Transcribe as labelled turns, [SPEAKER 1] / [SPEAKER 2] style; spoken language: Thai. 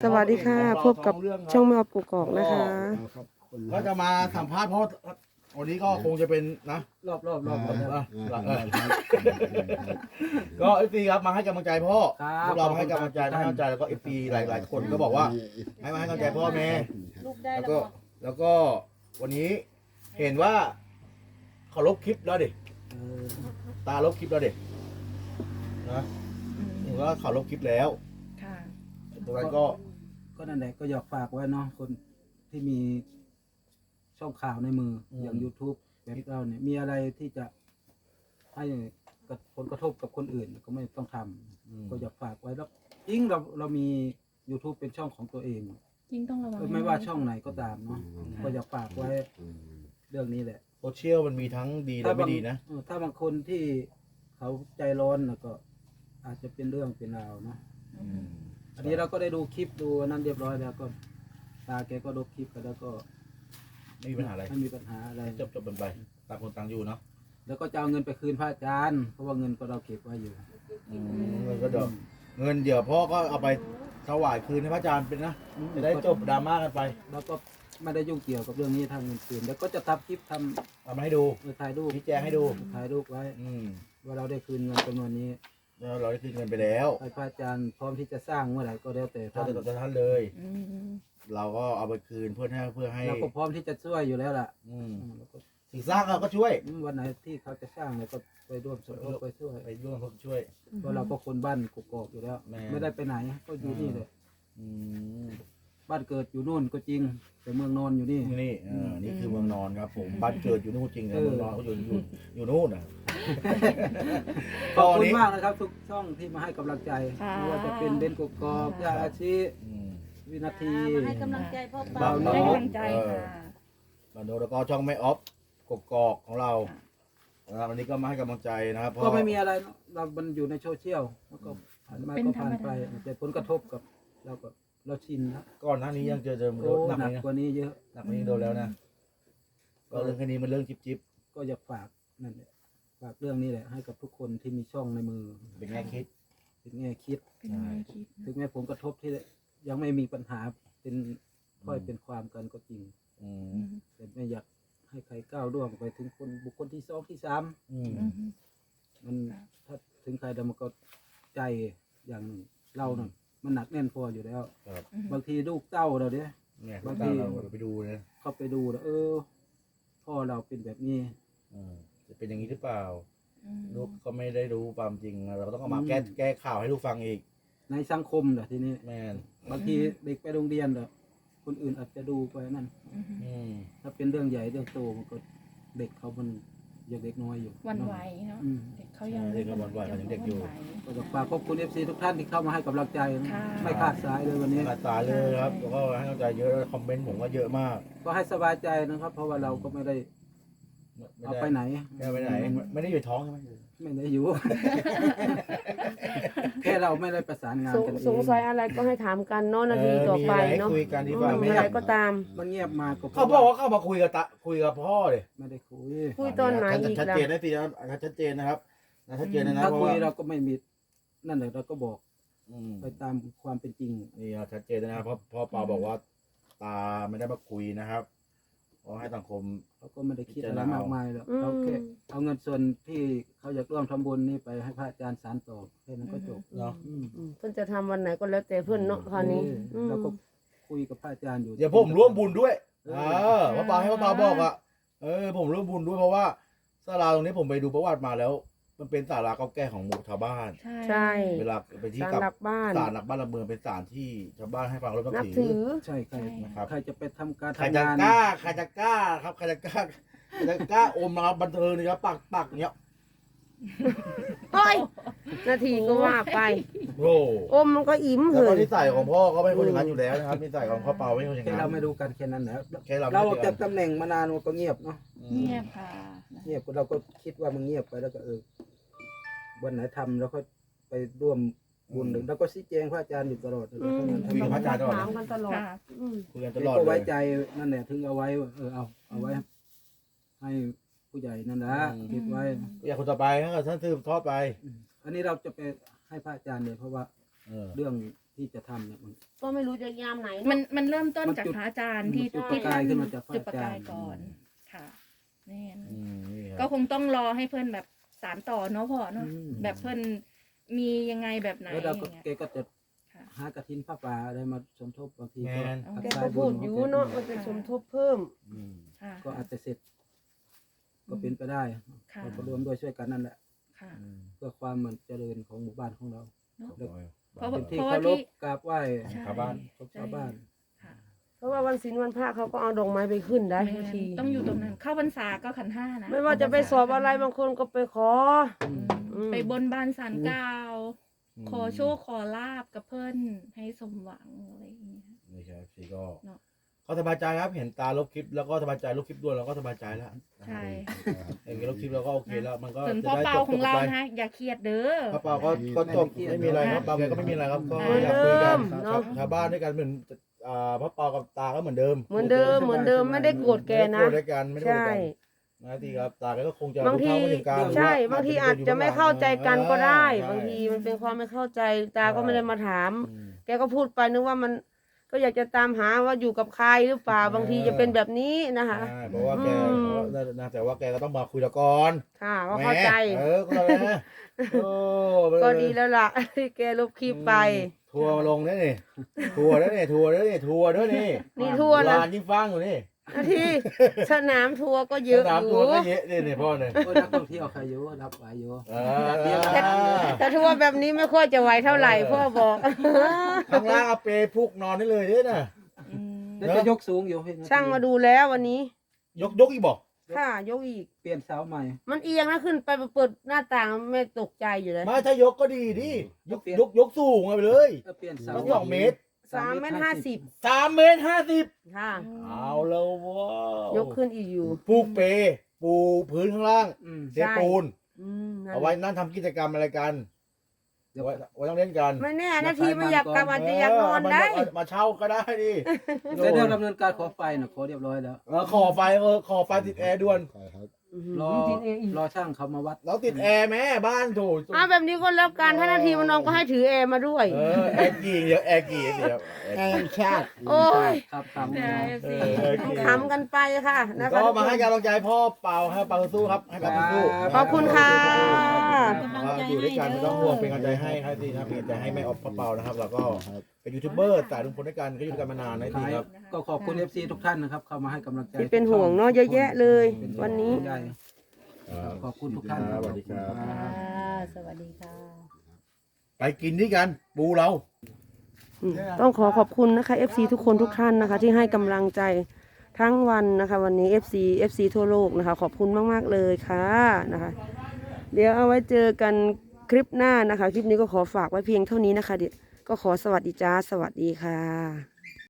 [SPEAKER 1] สวัสดีค่ะพบกับช่องแมวกกอกนะคะ
[SPEAKER 2] ก็จะมาสัมภาษณ์เพราะวันนี้ก็คงจะเป็นนะ
[SPEAKER 3] รอบ
[SPEAKER 2] ก็เอฟซีครับมาให้กำลังใจพ่อ
[SPEAKER 3] ครับ
[SPEAKER 2] พวกเรามาให้กำลังใจมาให้กำลังใจแล้วก็เอฟซีหลายคนก็บอกว่าให้มาให้กำลังใจพ่อแม่
[SPEAKER 4] ลูกได้
[SPEAKER 2] แล้ว
[SPEAKER 4] แล้ว
[SPEAKER 2] ก็
[SPEAKER 4] ก็
[SPEAKER 2] แล้วก็วันนี้เห็นว่าเขาลบคลิปแล้วดิตาลบคลิปแล้วดินะเห็นว่าเขาลบคลิปแล้ว
[SPEAKER 4] ค่ะ
[SPEAKER 2] ตรงนั้นก็
[SPEAKER 3] นั่นแหละก็อยากฝากไว้เนาะคนที่มีช่องข่าวในมืออย่าง YouTube แบบเราเนี่ยมีอะไรที่จะให้กับผลกระทบกับคนอื่นก็ไม่ต้องทำก็อยากฝากไว้แล้วยิ่งเรามี YouTube เป็นช่องของตัวเอง
[SPEAKER 4] ยิ่งต้องระวัง
[SPEAKER 3] ไม่ว่าช่องไหนก็ตามเนาะก็อยากฝากไว้เรื่องนี้แหละ
[SPEAKER 2] โซเชียลมันมีทั้งดีและไม่ดีนะ
[SPEAKER 3] ถ้าบางคนที่เขาใจร้อนแล้วก็อาจจะเป็นเรื่องเป็นราวเนาะอันนี้เราก็ได้ดูคลิปดูนั่นเรียบร้อยแล้วก็ตาแกก็ดูคลิปไปแล้วก็
[SPEAKER 2] ไม่มีปัญหาอะไร
[SPEAKER 3] ไม่มีปัญหาอะไร
[SPEAKER 2] จบกันไปต่างคนต่างอยู่เนาะ
[SPEAKER 3] แล้วก็จะเอาเงินไปคืนพระอาจารย์เพราะว่าเงินก็เราเก็บไว้อยู่
[SPEAKER 2] เงินก็เดี๋ยวเงินเดี๋ยวพ่อก็เอาไปถวายคืนให้พระอาจารย์เป็นนะจะได้จบดราม่ากันไป
[SPEAKER 3] แล้วก็ไม่ได้ยุ่งเกี่ยวกับเรื่องนี้ทางเงินคืนแล้วก็จะทำคลิปท
[SPEAKER 2] เอามาให้ดู
[SPEAKER 3] ำถ่ายรูป
[SPEAKER 2] ชี้แจงให้ดู
[SPEAKER 3] ถ่ายรูปไว้ ว่าเราได้คืนเงินจำนวนนี้
[SPEAKER 2] แล้วเราได้คืนเงินไปแล้ว
[SPEAKER 3] ให้พระอาจารย์พร้อมที่จะสร้างเมื่อไหร่ก็แล้วแต่
[SPEAKER 2] ถ้า
[SPEAKER 3] ท่าน
[SPEAKER 2] จะท่านเลย
[SPEAKER 4] อืม
[SPEAKER 2] เราก็เอาไปคืนเพื่อให้
[SPEAKER 3] เราก็พร้อมที่จะช่วยอยู่แล้วล่ะ แล้วก็
[SPEAKER 2] สิ่งสร้างเราก็ช่วย
[SPEAKER 3] วันไหนที่เขาจะสร้างเราก็ไปร่วมสมทบไปช่วย
[SPEAKER 2] ไปร่วมช่วย
[SPEAKER 3] เพราะเราก็คนบ้านกกอกอยู่แล้ว
[SPEAKER 2] แม่
[SPEAKER 3] ไม่ได้ไปไหนก็อยู่นี่เลย
[SPEAKER 2] อืม
[SPEAKER 3] บ้านเกิดอยู่นู่นก็จริง แต่เมืองนอนอยู่นี่
[SPEAKER 2] นี่นี่คือเมืองนอนครับผมบ้านเกิดอยู่นู่นจริงนะเมืองนอนก็อยู่นู่นนะ
[SPEAKER 3] ขอบคุณมากนะครับ ทุกช่องที่มาให้กำลังใจ
[SPEAKER 4] ค่ะ
[SPEAKER 3] ไม่ว่าจะเป็นเบนกกอกยาอาชี วินาที
[SPEAKER 4] มาให้กำลังใจพ่อเปา
[SPEAKER 3] บ่าวน้อย
[SPEAKER 4] ให้กำลังใจค่ะ
[SPEAKER 2] บันโดแล้วก็ช่องแม่ออฟกกอกของเรานะครับวันนี้ก็มาให้กำลังใจนะครับ
[SPEAKER 3] ก็ไม่มีอะไรเนอะเรามันอยู่ในโซเชียลแล้วก็ผ่านมาก็ผ่านไปแต่ผลกระทบกับเราชินแล้ว
[SPEAKER 2] ก่อนหน้านี้ยังเจอ
[SPEAKER 3] โอ้
[SPEAKER 2] หนัก
[SPEAKER 3] หนัก
[SPEAKER 2] เลยนะ
[SPEAKER 3] กว่านี้เยอะ
[SPEAKER 2] หนักกว่านี้โดนแล้วนะก็เรื่องแค่นี้มันเรื่องจิ๊บ
[SPEAKER 3] ก็อยากฝากนั่นแหละฝากเรื่องนี้แหละให้กับทุกคนที่มีช่องในมือ
[SPEAKER 2] ๆเป็นแง่คิด
[SPEAKER 3] ถึงแง่คิด
[SPEAKER 4] เป็นไงคิด
[SPEAKER 3] ถึงแม้ผลกระทบที่ยังไม่มีปัญหาเป็นค่อยเป็นความกันก็จริง
[SPEAKER 2] อืม
[SPEAKER 4] อืม
[SPEAKER 3] แต่ไม่อยากให้ใครก้าวล่วงไปถึงบุคคลที่สองที่สาม
[SPEAKER 2] อืม
[SPEAKER 4] อืม
[SPEAKER 3] มันถ้าถึงใครเดี๋ยวมันก็ใจอย่างหนึ่งเราเนี่ยมันหนักแน่นพออยู่แล้ว
[SPEAKER 2] ครับ
[SPEAKER 3] บางทีลูกเต้าเราเนี่ย
[SPEAKER 2] เนี่ย
[SPEAKER 3] บาง
[SPEAKER 2] ตา
[SPEAKER 3] ที
[SPEAKER 2] เราไปดูนะ
[SPEAKER 3] เข้าไปดูแล้วพ่อเราเป็นแบบนี้
[SPEAKER 2] จะเป็นอย่างนี้หรือเปล่า
[SPEAKER 4] อืม
[SPEAKER 2] ลูกก็ไม่ได้รู้ความจริงเราก็ต้องเอามาแก้ข่าวให้ลูกฟังอีก
[SPEAKER 3] ในสังคมแหละทีนี้
[SPEAKER 2] แม่น
[SPEAKER 3] บางทีเด็กไปโรงเรียนเดี๋ยวคนอื่นอาจจะดูไปนั่น
[SPEAKER 4] อืม
[SPEAKER 2] อืม
[SPEAKER 3] ถ้าเป็นเรื่องใหญ่เรื่องโตมันก็เด็กเขามันยังเด็กน้อยอยู่
[SPEAKER 4] หวันไหวเนาะ
[SPEAKER 3] อืม
[SPEAKER 4] เด็กเขายัง
[SPEAKER 2] เด็กก็หวั่นไหวเขายังเด็กอยู่
[SPEAKER 3] ก็อยากฝากขอบคุณFC ทุกท่านที่เข้ามาให้กำลังใจนะ
[SPEAKER 4] ค่ะ
[SPEAKER 3] ไม่ขาดสายเลยวันนี้
[SPEAKER 2] ขาดสายเลยครับแล้วก็ให้กำลังใจเยอะคอมเมนต์ผมก็เยอะมาก
[SPEAKER 3] ก็ให้สบายใจนะครับ เพราะว่าเราก็ไม่ได้เอาไปไหน
[SPEAKER 2] ไม่ได้ไปไหนไม่ได้อยู่ท้องใช่ไหม
[SPEAKER 3] ไม่ได้อยู่ แค่เราไม่ได้ประสานงานกันเอง
[SPEAKER 1] สงสัยอะไรก็ให้ถามกันเนาะนาทีต่อไปเนาะ
[SPEAKER 2] คุยกันดีกว่า
[SPEAKER 1] อะไรก็ตาม
[SPEAKER 3] มันเงียบมาก็
[SPEAKER 2] เขาบอกว่าเข้ามาคุยกับพ่อเลย
[SPEAKER 3] ไม่ได้คุย
[SPEAKER 1] คุยตอนไหนอีก
[SPEAKER 2] ชัด
[SPEAKER 1] ล่ะ
[SPEAKER 2] เจนนะทีนะชัดเจนนะครับชัดเจนนะ
[SPEAKER 3] ถ้า
[SPEAKER 2] เพราะ
[SPEAKER 3] คุย
[SPEAKER 2] ว่า
[SPEAKER 3] เราก็ไม่มีนั่นแหละเราก็บอก
[SPEAKER 2] อืม
[SPEAKER 3] ไปตามความเป็นจริง
[SPEAKER 2] นี่ชัดเจนนะครับเพราะพ่อปาบอกว่าตาไม่ได้มาคุยนะครับเพราะให้สังคม
[SPEAKER 3] เขาก็ไม่ได้คิดอะไรมากมายหรอก
[SPEAKER 1] อืม
[SPEAKER 3] เขาแค่เอาเงินส่วนที่เขาอยากร่วมทำบุญนี่ไปให้พระอาจารย์สารต่อแค่นั้นก็จบ
[SPEAKER 2] เนาะ
[SPEAKER 3] อืม
[SPEAKER 1] เพิ่นจะทำวันไหนก็แล้วแต่เพิ่นเนาะคราวนี้อืม
[SPEAKER 3] เราก็คุยกับพระอาจารย์อยู่
[SPEAKER 2] เดี๋ยวผมร่วมบุญด้วย
[SPEAKER 3] เออ
[SPEAKER 2] พ่อปาให้พ่อปาบอกอ่ะผมร่วมบุญด้วยเพราะว่าศาลาตรงนี้ผมไปดูประวัติมาแล้ว มันเป็นศาลาเก่าแก่ของหมู่ชาวบ้าน
[SPEAKER 1] ใช่
[SPEAKER 2] เวลาไปที่
[SPEAKER 1] ศาล
[SPEAKER 2] กับ
[SPEAKER 1] หลักบ้าน
[SPEAKER 2] ศาลหลักบ้านหลักเมืองเป็นศาลที่ชาวบ้านให้ฟังแล้วก็
[SPEAKER 1] นับ
[SPEAKER 2] ถื
[SPEAKER 1] ถื
[SPEAKER 2] อ
[SPEAKER 1] อ
[SPEAKER 3] ใช่ใคร
[SPEAKER 2] นะครับ
[SPEAKER 3] ใครจะไปทำการ
[SPEAKER 2] ใคร
[SPEAKER 3] ทำ
[SPEAKER 2] จะ
[SPEAKER 3] งาน
[SPEAKER 2] กล้าใครจะกล้าครับใครจะกล้าใครจะกล้าอมนะครับบันเทิงนะครับปักอย่างเงี้ย
[SPEAKER 1] เฮ้ยนาทีก็ว่าไป
[SPEAKER 2] โอ้
[SPEAKER 1] อมมันก็อิ่มเห
[SPEAKER 2] แล้วก็
[SPEAKER 1] ย
[SPEAKER 2] นิสัยของพ่อก็ไม่คนอย่างนั้นอยู่แล้วนะครับนิสัยของพ่อเปาไม่คนอย่าง
[SPEAKER 3] แค่
[SPEAKER 2] นั้น
[SPEAKER 3] เราไม่ดูกันแค่นั้นแหละ
[SPEAKER 2] แค่เรา
[SPEAKER 3] เรา
[SPEAKER 2] ไม่
[SPEAKER 3] ออก
[SPEAKER 2] เจ
[SPEAKER 3] จา
[SPEAKER 2] อก
[SPEAKER 3] ตำแหน่งมานานมันก็เงียบเนาะ
[SPEAKER 4] เงียบค่ะ
[SPEAKER 3] เงียบเราก็คิดว่ามันเงียบไปแล้วก็วันไหนทำแล้วก็ไปร่วมบุญหนึ่งแล้วก็ชี้แจงพระอาจารย์อยู่ตลอดเลย
[SPEAKER 1] อืม
[SPEAKER 2] คุยกับพระอาจารย์ตลอด
[SPEAKER 1] ถาม
[SPEAKER 2] นะ
[SPEAKER 1] กันตลอด
[SPEAKER 4] ค่ะ
[SPEAKER 1] อืม
[SPEAKER 2] คุยกันต
[SPEAKER 3] แล้ว
[SPEAKER 2] ลอด
[SPEAKER 3] ก็
[SPEAKER 2] เล
[SPEAKER 3] ไว้
[SPEAKER 2] ย
[SPEAKER 3] ใจนั่นแหละถึงเอาไว้เอาไว้ ให้ผู้ใหญ่นั่นนะเก็บไว้
[SPEAKER 2] อยากคนต่อไปถ้าเกิดท่านสืบทอดไป
[SPEAKER 3] อันนี้เราจะไปให้พระอาจารย์เลยเพราะว่า
[SPEAKER 2] เออ
[SPEAKER 3] เรื่องที่จะทำเนี่ยมัน
[SPEAKER 1] ก็ไม่รู้จะยามไหน
[SPEAKER 4] มันเริ่มต้น
[SPEAKER 3] มัน
[SPEAKER 4] จาก
[SPEAKER 3] จุด
[SPEAKER 4] พระอาจารย์ที่
[SPEAKER 3] มันจุด
[SPEAKER 4] ที่
[SPEAKER 3] ประกายขึ้นมาจากพระ
[SPEAKER 4] จุดประกาย
[SPEAKER 3] อาจารย์
[SPEAKER 4] ก่อนค่ะแน่น
[SPEAKER 2] นี่ค
[SPEAKER 4] ก็
[SPEAKER 2] รับ
[SPEAKER 4] คงต้องรอให้เพื่อนแบบสานต่อเนาะพ่อเนาะ
[SPEAKER 3] อืม
[SPEAKER 4] แบบเพื่อนมียังไงแบบไหน
[SPEAKER 3] แล้ว
[SPEAKER 4] อ
[SPEAKER 3] เรา
[SPEAKER 4] ย่าง
[SPEAKER 3] ก็
[SPEAKER 4] เงี้ย
[SPEAKER 3] แกก็จะ
[SPEAKER 4] ค่ะ
[SPEAKER 3] หากระถินผ้าป่าอะไรมาสมทบบางที
[SPEAKER 2] แม
[SPEAKER 3] ก็
[SPEAKER 2] น
[SPEAKER 3] ทั
[SPEAKER 1] แก
[SPEAKER 3] สา
[SPEAKER 1] ก็
[SPEAKER 3] ย
[SPEAKER 1] พู
[SPEAKER 3] บุ
[SPEAKER 1] ด
[SPEAKER 3] ญ
[SPEAKER 1] อยู่
[SPEAKER 3] ของแก
[SPEAKER 1] เนาะมันจะสมทบเพิ่ม
[SPEAKER 2] อืม
[SPEAKER 4] ค่ะ
[SPEAKER 3] ก็อาจจะเสร็จ ก็เป็นไปได้
[SPEAKER 4] ค่ะ
[SPEAKER 3] เราก็รวมด้วยช่วยกันนั่นแหละ
[SPEAKER 4] ค่ะ
[SPEAKER 2] อืม
[SPEAKER 3] เพื่อความมันเจริญของหมู่บ้านของเรา
[SPEAKER 4] เพราะ
[SPEAKER 3] เป็นที่
[SPEAKER 4] เพราะ
[SPEAKER 3] เคา
[SPEAKER 4] ว่าร ที่
[SPEAKER 3] พกราบไหว้
[SPEAKER 4] ใช่
[SPEAKER 2] ชาวบ้าน
[SPEAKER 3] ของชาวบ้าน
[SPEAKER 4] ค่ะ
[SPEAKER 1] เพราะว่าวันศีลวันพระเขาก็เอาดอกไม้ไปขึ้นได้
[SPEAKER 4] แม่
[SPEAKER 1] บางที
[SPEAKER 4] ต้องอยู่ตรงนั้น เข้าพรรษาก็ขันห้านะ
[SPEAKER 1] ไม่ว่าจะไปสอบอะไรบางคนก็ไปขอ
[SPEAKER 4] อืม
[SPEAKER 1] อืม
[SPEAKER 4] ไปบนบานสารกล่าว ขอโชคขอลาบกับเพื่อนให้สมหวังอะไรอย่างเงี้ย
[SPEAKER 2] นี่ครับพี่ก็
[SPEAKER 4] เนอะ
[SPEAKER 2] ก็สบายใจครับเห็นตาลบคลิปแล้วก็สบายใจลบคลิปด้วยเราก็สบายใจแล้ว
[SPEAKER 4] ใช่
[SPEAKER 2] เห็นลบคลิปเราก็โอเคแล้วมันก็
[SPEAKER 4] ส่วน
[SPEAKER 2] จะ
[SPEAKER 4] พ่อ
[SPEAKER 2] ได้
[SPEAKER 4] เปา
[SPEAKER 2] จบ
[SPEAKER 4] ของเรา
[SPEAKER 2] ไป
[SPEAKER 4] นะอย่าเครียดเด้อ
[SPEAKER 2] พ่อเปาก็จบไม่มีอะไรครับเปาแกก็ไม่มีอะไรครับก็
[SPEAKER 4] เหมือน
[SPEAKER 2] อยากคุยกัน
[SPEAKER 1] เดิม
[SPEAKER 2] ชาวบ้านด้วยกันเหมือนพ่อเปากับตาก็เหมือนเดิม
[SPEAKER 1] เหมือนเดิมเหมือนเดิมไม่ได้โกรธแกนะ
[SPEAKER 2] ไม่ได้โกรธด้วยกันไม่ได้โกรธ
[SPEAKER 1] ใช่
[SPEAKER 2] กันนะทีครับตาแกก็คงจะ
[SPEAKER 1] บางที
[SPEAKER 2] รู้เท่าไม่ถึงการ
[SPEAKER 1] ใช่บางทีอาจจะไม่เข้าใจกันก็ได้
[SPEAKER 2] ใช่
[SPEAKER 1] บางทีมันเป็นความไม่เข้าใจตาก็ไม่ได้มาถาม
[SPEAKER 2] อืม
[SPEAKER 1] แกก็พูดไปนึกว่ามันก็อยากจะตามหาว่าอยู่กับใครหรือเปล่าบางทีจะเป็นแบบนี้นะคะ
[SPEAKER 2] ใช่เพราะว่าแก
[SPEAKER 1] อืม
[SPEAKER 2] นะแต่ว่าแกก็ต้องมาคุยแล้วก่อน
[SPEAKER 1] ค่ะก็เข้าใจ
[SPEAKER 2] แหมก็เลยนะโอ้
[SPEAKER 1] ก็ดีแล้วล่ะ ที่แกลบคลิปไป
[SPEAKER 2] ทัวร์ลงได้นี่ทัวร์ได้นี่ทัวร์ได้นี่ทัวร์ด้วยนี่
[SPEAKER 1] นี่ทั่วนะ
[SPEAKER 2] ลานยิ่งฟังอยู่นี่
[SPEAKER 1] นาทีสนามทัวร์ก็เยอะ
[SPEAKER 2] สนาม
[SPEAKER 1] อ
[SPEAKER 2] ทั
[SPEAKER 1] ยู่
[SPEAKER 2] วร์ก็เยอะนี่พ่อเนี่ย
[SPEAKER 3] โอ้ยนักท่องเที่ยวใครอยู่รับไหวอยู่
[SPEAKER 1] แต่ทัวร์แบบนี้ไม่ค่อยจะไหวเท่าไหร่พ่อบอก
[SPEAKER 2] ข้างล่างเอาเปรย์พุกนอนได้เลยเนี่ยนะ
[SPEAKER 4] อืม
[SPEAKER 3] แล้วจะยกสูงอยู่เห็นไห
[SPEAKER 1] ช่างมาดูแล้ววันนี้
[SPEAKER 2] ยกอีกบอก
[SPEAKER 1] ค่ะยกอีก
[SPEAKER 3] เปลี่ยนเสาใหม่
[SPEAKER 1] มันเอียงนะขึ้นไปเปิดหน้าต่างไม่ตกใจอยู่เลย
[SPEAKER 2] ไม่ถ้ายกก็ดีดิยกสูงไปเลย
[SPEAKER 3] เปลี่ยนเสา
[SPEAKER 2] มัน2 เมตร
[SPEAKER 1] 3.50
[SPEAKER 2] 3 เมตร 50
[SPEAKER 1] ค่ะ
[SPEAKER 2] เอาแล้วว้าวย
[SPEAKER 1] กขึ้นอีกอยู่
[SPEAKER 2] ปูเปรย์ปูพื้นข้างล่าง
[SPEAKER 3] อืม
[SPEAKER 2] เทปูน
[SPEAKER 1] นั่น
[SPEAKER 2] เอาไว้นั่งทำกิจกรรมอะไรกัน
[SPEAKER 3] เดี๋ยว
[SPEAKER 2] ไว้ต้องเล่นกัน
[SPEAKER 1] ไม่แน่นาทีไม่อยากกลับอาจจะอยากนอนได้
[SPEAKER 2] มาเช่าก็ได้ดิ
[SPEAKER 3] แต่เรื่องดำเนินการขอไฟน่ะขอเรียบร้อยแล้ว
[SPEAKER 2] ขอไฟขอไฟติดแอร์ด่วน
[SPEAKER 3] รอช่างเขามาวัด
[SPEAKER 2] เราติดแอร์แม่บ้านถูก
[SPEAKER 1] แบบนี้ก็แล้วกันถ้านาทีมันนอนก็ให้ถือแอร์มาด้วย
[SPEAKER 2] แอร์กี่เดี๋ยวแอร์กี่เดี๋ยว
[SPEAKER 1] แอร์ชาติ โอ้ย
[SPEAKER 3] ครับท
[SPEAKER 4] ใช่
[SPEAKER 3] ำ
[SPEAKER 4] สิ
[SPEAKER 1] ต้องขำกันไปค่ะนะคะ
[SPEAKER 2] ก็มาให้กำลังใจพ่อเปาให้เปาสู้ครับให้เปาสู้
[SPEAKER 1] ขอบคุณค่ะ
[SPEAKER 2] อยู่ด้วยกันไม่ต้องห่วงเป็นกำลังใจให้ครับดีครับเป็นกำลังใจให้แม่ออฟพ่อเปานะครับแล้วก็เป็นยูทูบเบอร์สายลุงพลด้วยกันก็อยู่ด้วยกันมานานนะดีครับ
[SPEAKER 3] ก็ขอบคุณ FC ทุกท่านนะครับ เข้ามาให้กำลังใจ
[SPEAKER 1] ที่เป็นห่วงเนาะเยอะแยะเลย
[SPEAKER 3] เป็
[SPEAKER 1] วันนี้
[SPEAKER 3] ใหญ่ขอบคุณทุกท่าน
[SPEAKER 2] สวัสดีครับ
[SPEAKER 1] สวัสดีค่ะ
[SPEAKER 2] ไปกินด้วยกันปูเรา
[SPEAKER 1] ต้องขอบคุณนะคะ FC ทุกคนทุกท่านนะคะ ที่ให้กำลังใจทั้งวันนะคะ วันนี้ FC ทั่วโลกนะคะ ขอบคุณมากๆเลยค่ะนะคะ เดี๋ยวเอาไว้เจอกันคลิปหน้านะคะ คลิปนี้ก็ขอฝากไว้เพียงเท่านี้นะคะเดี๋ยวก็ขอสวัสดีจ้าสวัสดีค่ะ